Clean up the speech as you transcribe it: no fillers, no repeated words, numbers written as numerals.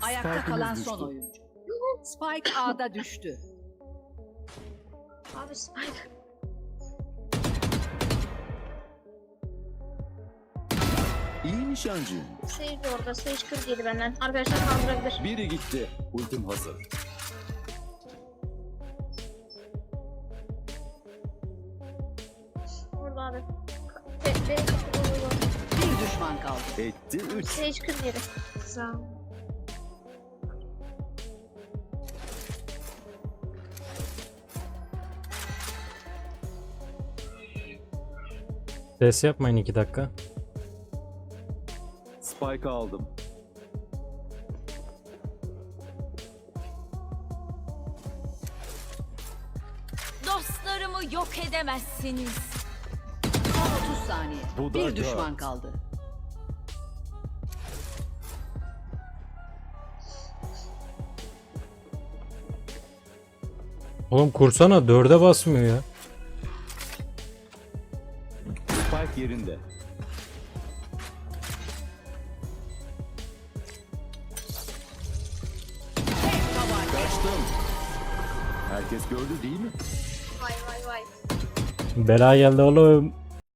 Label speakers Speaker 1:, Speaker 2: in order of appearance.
Speaker 1: Ayakta kalan son oyuncu. Spike A'da düştü.
Speaker 2: Abi Spike.
Speaker 3: İyi nişancıyım.
Speaker 2: Sage de orada. Sage 47 benden. Arkadaşlar kaldırabilir.
Speaker 3: Biri gitti. Ultim hazır.
Speaker 2: Orada abi. Benim kapıda.
Speaker 1: Bir düşman kaldı.
Speaker 3: Etti 3.
Speaker 2: Sage 47. Sağ ol.
Speaker 4: Ses yapmayın 2 dakika.
Speaker 3: Spike aldım.
Speaker 5: Dostlarımı yok edemezsiniz.
Speaker 1: Son 30 saniye.
Speaker 3: Bu da
Speaker 1: Bir
Speaker 3: dört.
Speaker 1: düşman kaldı.
Speaker 4: Oğlum kursana 4'e basmıyor ya.
Speaker 3: Spike yerinde. Kaçtım. Herkes gördü değil mi?
Speaker 2: Vay vay vay.
Speaker 4: Bela geldi oğlum.